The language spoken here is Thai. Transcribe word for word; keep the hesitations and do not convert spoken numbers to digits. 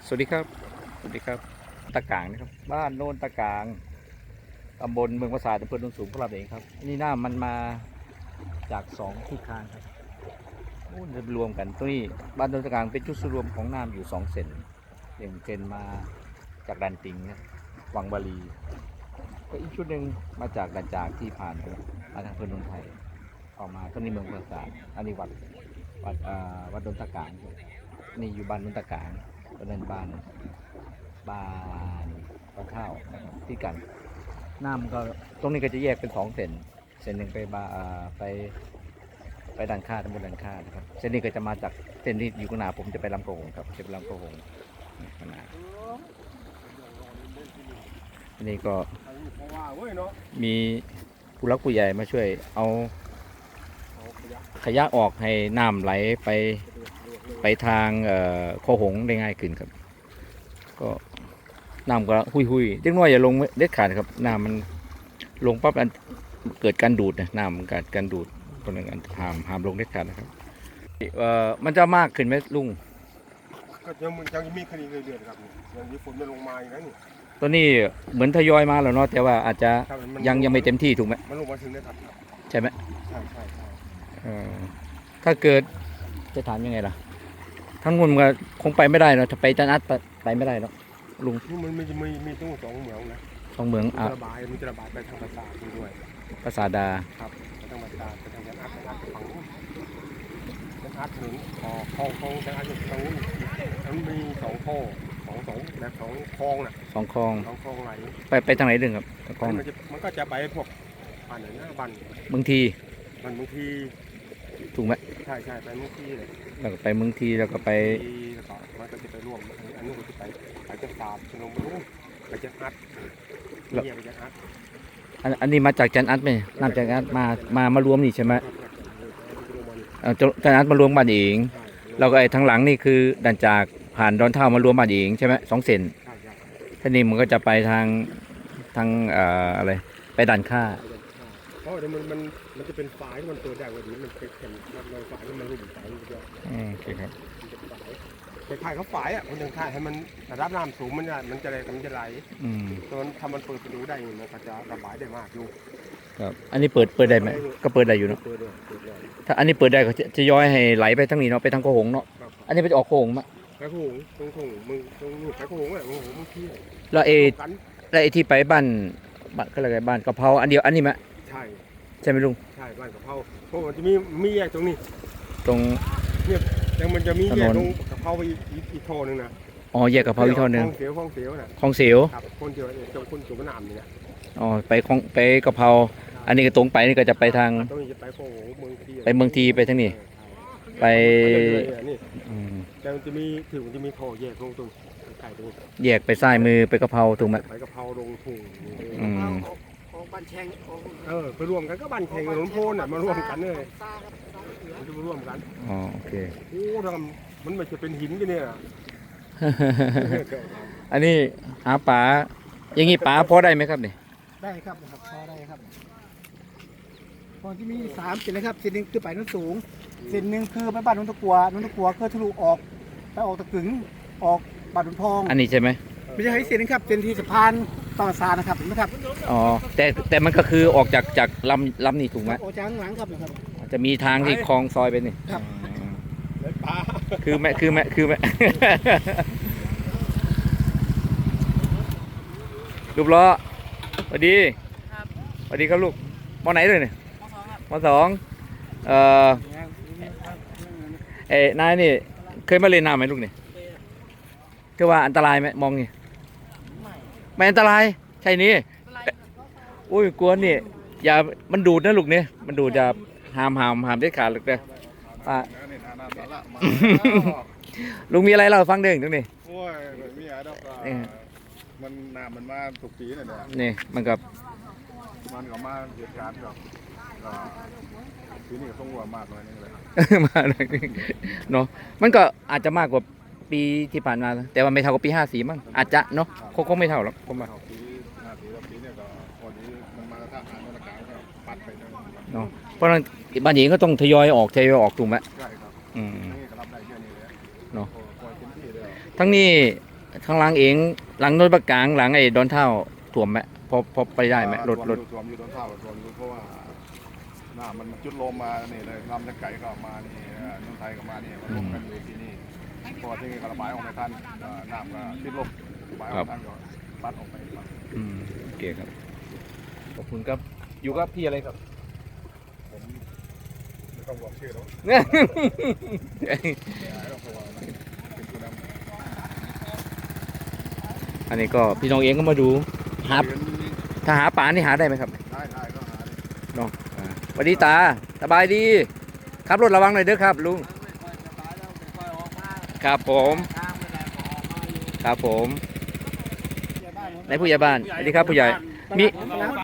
สวัสดีครับสวัสดีครับตะกางนะครับบ้านโนนตะกางตำบลเมืองปราสาทอำเภอโนนสูงของเราเองครับนี่น้ำมันมาจากสองทิศทางครับโอ้จะรวมกันตรงนี้บ้านโนนตะกางเป็นจุดรวมของน้ำอยู่สองเส้นหนึ่งเส้นมาจากดันติงนะวังบาลีก็อีกชุดหนึ่งมาจากดันจากที่ผ่านมาทางอำเภอโนนไทยออกมาตรงนี้เมืองปราสาทอันนี้วัดวัดอ่าวัดโนนตะกางนี่อยู่บ้านโนนตะกางก็เดินบ้านบ้านบ้านข้าวนะครับที่กันน้ำก็ตรงนี้ก็จะแยกเป็นสองเส้นเส้นหนึ่งไปบาอ่าไปไปดันค่าตำบลดันค่านะครับเส้นนี้ก็จะมาจากเส้นที่อยู่ข้างหน้าผมจะไปลำโขงครับจะไปลำโขงข้างหน้าอันนี้ก็มีผู้รักผู้ใหญ่มาช่วยเอาขยะออกให้น้ำไหลไปไปทางโคหงได้ง่ายขึ้นครับก็น้ำก็หุยหุยเล็กน้อยอย่าลงเด็ดขาดครับน้ำมันลงปั๊บเกิดการดูดนะน้ำมันเกิดการดูดตรงนั้นห้ามห้ามลงเด็ดขาดนะครับเอ่อมันจะมากขึ้นไหมลุงก็ยังยังมีคดีเรื่อยๆครับยังมีฝนมันลงมาอย่างนั้นนี่ตัวนี้เหมือนทยอยมาแล้วเนาะแต่ว่าอาจจะยังยังไม่เต็มที่ถูกไหมมันลงมาถึงได้ครับใช่ไหมใช่ใช่ใช่ถ้าเกิดจะถามยังไงล่ะทั้งนู้นมันคงไปไม่ได้เนาะถ้าไปจันอัดไปไม่ได้เนาะลุงมันมีมีมีตู้สองเหมืองนะสองเหมืองอ่ะระบายมันจะระบายไปทางภาษาด้วยภาษาดาครับไปทางภาษาไปทางจันอัดจันอัดฝั่งนู้นจันอัดถึงอ๋อคลองคลองจันอัดอยู่ตรงนู้นมันมีสองท่อสองสองแบบสองคลองน่ะสองคลองสองคลองไหลไปไปทางไหนดึงครับคลองมันจะมันก็จะไปพวกบ้านไหนนะบ้านบางทีมันบางทีถูกไหมใช่ใช่ไปบางทีเลยแล้วก็ไปเมืองทีแล้วก็ไปแล้วก็มันก็จะไปร่วมอันนู้นก็จะไปไปจะสาบชนมรุ่งไปจะอัดเยี่ยไปจะอัดอันอันนี้มาจากจันอัดไหมน้ำจันอัดมามามารวมนี่ใช่ไหมจันอัดมารวมบ้านเองเราก็ไอ้ทางหลังนี่คือดันจากผ่านดอนเท่ามารวมบ้านเองใช่ไหมสองเส้นท่านี้มันก็จะไปทางทางอะไรไปดันค่าเพราะเดี๋ยวมันมันมันจะเป็นฝายที่มันเปิดได้กว่านี้มันเป็นแผ่นเราฝายที่มันรุ่มฝายมันจะโอเคครับคล้ายๆเขาฝายอ่ะมันยังคล้ายให้มันระดับน้ำสูงมันจะมันจะไหลมันจะไหลตอนทำมันเปิดประตูได้มันก็จะระบายได้มากอยู่ครับอันนี้เปิดเปิดได้ไหมก็เปิดได้อยู่เนาะถ้าอันนี้เปิดได้ก็จะย้อยให้ไหลไปทางนี้เนาะไปทางโคหงเนาะอันนี้ไปออกโคหงมั้ยไปโคหงตรงโคหงมึงตรงไปโคหงอ่ะโคหงมึงที่แล้วเอแล้วไอที่ไปบ้านบ้านก็อะไรบ้านกะเพราอันเดียวอันนี้มั้ยใช่ใช่ไหมลุงใช่บ้านกะเพราเพราะมันจะมีมีแยกตรงนี้ตรงเนี่ยยังมันจะมีแยกตรงกะเพราไปอีกอีกท่อนึงนะอ๋อแยกกะเพราอีกท่อนึงคลองเสียวคลองเสียวน่ะคลองเสียวครับคนเดียวเจ้าคนจุ่มน้ำนี่นะอ๋อไปคลองไปกะเพราอันนี้ก็ตรงไปนี่ก็จะไปทางตรงนี้จะไปโคหงเมืองทีไปเมืองทีไปทางนี้ไปแต่มันจะมีถึงมันจะมีท่อแยกลงตรงไก่ตรงแยกไปซ้ายมือไปกะเพราถูกไหมไปกะเพราลงทุ่งอืมบ้านแชงเออไปรวมกันก็บ้านแชงกับหลวงพ่อน่ะมารวมกันเลยมันจะมารวมกันอ๋อโอเคโอ้ทำมันไม่จะเป็นหินกันเนี่ยอันนี้หาปลาอย่างงี้ปลาพอได้ไหมครับนี่ได้ครับครับพอได้ครับตอนที่มีสามเส้นนะครับเส้นหนึ่งคือไปนู้นสูงเส้นหนึ่งคือไปบ้านนุ่นตะกัวนุ่นตะกัวคือทะลุออกไปออกตะกึ๋งออกบ้านนุ่นทองอันนี้ใช่ไหมไม่ใช่เส้นนึงครับเส้นที่สะพานต่อซานะครับเห็นไหมครับอ๋อแต่แต่มันก็คือออกจากจากลำลำนี่ถูกไหมออกจากข้างหลังครับนะครับจะมีทางที่คลองซอยไปนี่ครับคือแม่คือแม่คือแม่ลูกล้อสวัสดีสวัสดีครับลูกมอไหนเลยเนี่ยมอสองเอ่อเอ้นายนี่เคยมาเล่นน้ำไหมลูกเนี่ยคือว่าอันตรายไหมมองนี่ไม่อันตรายใช่นี่อุ้ยกลัวนี่อย่ามันดูดนะลูกเนี่ยมันดูดจะหามหามหามได้ขาดเลยป้าลุงมีอะไรเล่าฟังเด้งตรงนี้โอ้ยมีอะไรดอกมันน้ำมันมาถูกปีเลยเนี่ยนี่มันกับมันก็มาเหตุการณ์กับปีนี้ก็ต้องวัวมากเลยนี่เลยมาเลยเนาะมันก็อาจจะมากกว่าปีที่ผ่านมาแต่ว่าไม่เท่ากับปีห้าสี่มั้งอาจจะเนาะคงไม่เท่าหรอกผมว่าปีห้าสี่แล้วปีนี้ก็วันนี้มันมาท่าทางมันกลางก็ปัดไปเนาะเพราะนั้นบ้านหญิงก็ต้องทยอยออกทยอยออกถูกไหมใช่ครับอืมนี่ก็รับได้เยอะนี่เลยเนาะทั้งนี้ข้างหล่างเองหลังโนนปากกลางหลังไอ้ดอนเท่าถ่วมไหมพอพอไปได้ไหมรถรถรวมอยู่ต้นเท่าส่วนอยู่เพราะว่าหน้ามันจุดลมมานี่เลยลำตะไก่ก็มานี่เอ่อนุ่นไทยก็มานี่มันลงกันอยู่ที่นี่พอที่นี่ก็ระบายออกไม่ทันเอ่อน้ำก็ติดลมระบายออกไม่ทันก็ปัดออกไปครับอืมโอเคครับขอบคุณครับอยู่กับพี่อะไรครับผมไม่ต้องบอกชื่อแล้วต้องบอกว่าเป็นผู้นำอันนี้ก็พี่น้องเองก็มาดูหาเรียนถ้าหาปลานี่หาได้ไหมครับได้ได้ก็หาเลยเนาะอ่าสวัสดีตาสบายดีขับรถระวังหน่อยเด้อครับลุงครับผมครับผมในผู้ใหญ่บ้านสวัสดีครับผู้ใหญ่มี